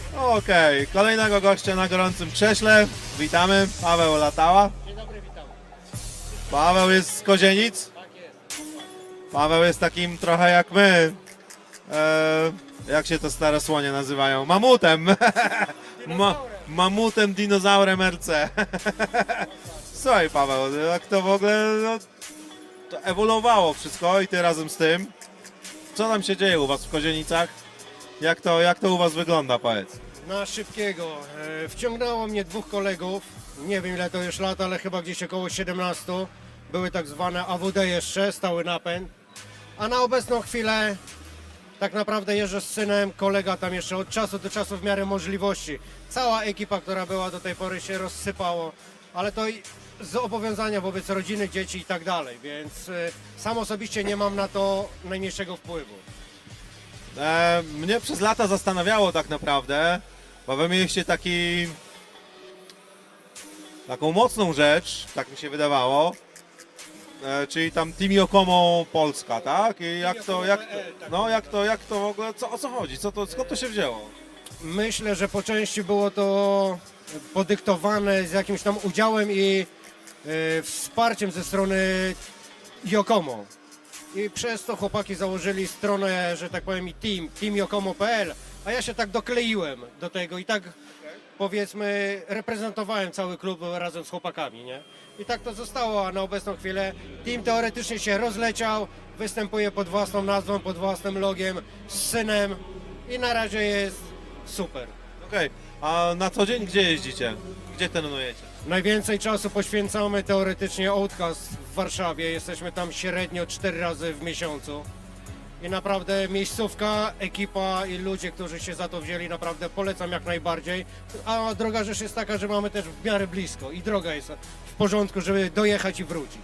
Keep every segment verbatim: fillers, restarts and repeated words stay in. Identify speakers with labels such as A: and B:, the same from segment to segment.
A: Okej, kolejnego gościa na gorącym krześle. Witamy, Paweł Latała.
B: Dzień dobry, witam.
A: Paweł jest z Kozienic.
B: Tak jest.
A: Paweł jest takim trochę jak my. E, jak się to stare słonie nazywają? Mamutem. Ma, mamutem, dinozaurem R C. Słuchaj Paweł, jak to w ogóle no, to ewoluowało wszystko i ty razem z tym. Co tam się dzieje u was w Kozienicach? Jak to, jak to u was wygląda, powiedz?
B: Na szybkiego. E, wciągnęło mnie dwóch kolegów. Nie wiem ile to już lat, ale chyba gdzieś około siedemnaście. Były tak zwane A W D jeszcze, stały napęd. A na obecną chwilę tak naprawdę jeżdżę z synem, kolega tam jeszcze od czasu do czasu w miarę możliwości. Cała ekipa, która była do tej pory się rozsypało, ale to i z zobowiązania wobec rodziny, dzieci i tak dalej, więc e, sam osobiście nie mam na to najmniejszego wpływu.
A: E, mnie przez lata zastanawiało tak naprawdę, bo wy mieliście taki, taką mocną rzecz, tak mi się wydawało, e, czyli tam Team Yokomo Polska, tak? I jak to, jak to, no jak to, jak to w ogóle, co, o co chodzi, co to, skąd to się wzięło?
B: Myślę, że po części było to podyktowane z jakimś tam udziałem i e, wsparciem ze strony Yokomo. I przez to chłopaki założyli stronę, że tak powiem, i team, team yokomo kropka p l, a ja się tak dokleiłem do tego i tak powiedzmy reprezentowałem cały klub razem z chłopakami, nie? I tak to zostało, a na obecną chwilę team teoretycznie się rozleciał, występuje pod własną nazwą, pod własnym logiem, z synem i na razie jest super.
A: Okej, a na co dzień gdzie jeździcie? Gdzie trenujecie?
B: Najwięcej czasu poświęcamy teoretycznie Outcast w Warszawie. Jesteśmy tam średnio cztery razy w miesiącu. I naprawdę miejscówka, ekipa i ludzie, którzy się za to wzięli, naprawdę polecam jak najbardziej. A droga rzecz jest taka, że mamy też w miarę blisko i droga jest w porządku, żeby dojechać i wrócić.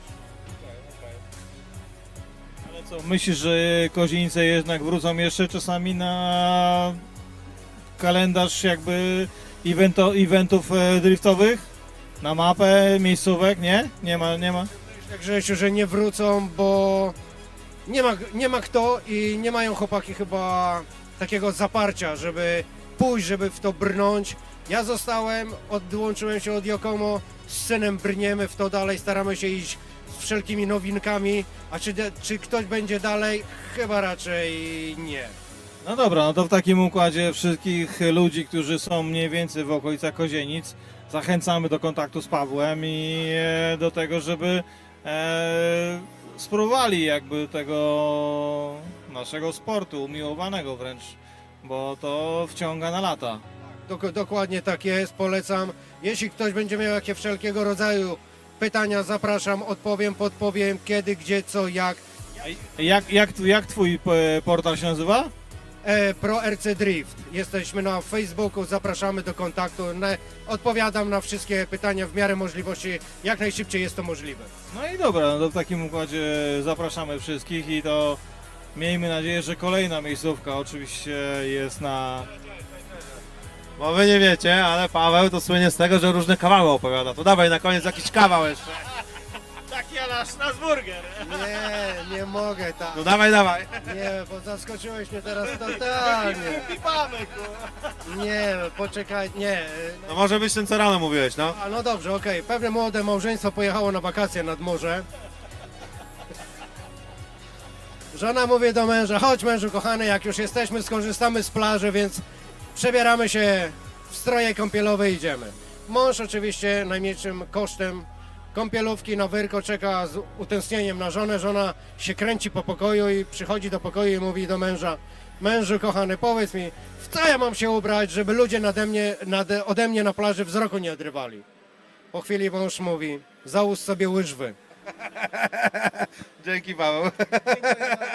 C: Ale co, myślisz, że Kozienice jednak wrócą jeszcze czasami na kalendarz jakby evento, eventów e, driftowych? Na mapę miejscówek, nie? Nie ma, nie ma?
B: Tak Grzesiu, że nie wrócą, bo nie ma, nie ma kto i nie mają chłopaki chyba takiego zaparcia, żeby pójść, żeby w to brnąć. Ja zostałem, odłączyłem się od Yokomo, z synem brniemy w to dalej, staramy się iść z wszelkimi nowinkami, a czy, de- czy ktoś będzie dalej? Chyba raczej nie.
C: No dobra, no to w takim układzie wszystkich ludzi, którzy są mniej więcej w okolicach Kozienic, zachęcamy do kontaktu z Pawłem i e, do tego, żeby e, spróbowali jakby tego naszego sportu, umiłowanego wręcz, bo to wciąga na lata.
B: Dok- dokładnie tak jest, polecam. Jeśli ktoś będzie miał jakieś wszelkiego rodzaju pytania, zapraszam, odpowiem, podpowiem, kiedy, gdzie, co, jak.
C: A Jak, jak, jak twój e, portal się nazywa?
B: E, Pro R C Drift. Jesteśmy na Facebooku, zapraszamy do kontaktu. Na, odpowiadam na wszystkie pytania w miarę możliwości, jak najszybciej jest to możliwe.
C: No i dobra, no to w takim układzie zapraszamy wszystkich i to miejmy nadzieję, że kolejna miejscówka oczywiście jest na...
A: Bo wy nie wiecie, ale Paweł to słynie z tego, że różne kawały opowiada. To dawaj na koniec jakiś kawał jeszcze.
C: Taki nasz, nasz burger!
B: Nie, nie mogę tak.
A: No dawaj, dawaj.
B: Nie, bo zaskoczyłeś mnie teraz totalnie. Nie, poczekaj, nie.
A: No może być ten, co rano mówiłeś, no.
B: A no dobrze, okej. Pewne młode małżeństwo pojechało na wakacje nad morze. Żona mówi do męża, chodź mężu kochany, jak już jesteśmy, skorzystamy z plaży, więc przebieramy się w stroje kąpielowe i idziemy. Mąż oczywiście najmniejszym kosztem kąpielówki na wyrko czeka z utęsknieniem na żonę. Żona się kręci po pokoju i przychodzi do pokoju i mówi do męża, mężu kochany, powiedz mi, w co ja mam się ubrać, żeby ludzie nade mnie, nade, ode mnie na plaży wzroku nie odrywali. Po chwili mąż mówi, załóż sobie łyżwy.
A: Dzięki Paweł.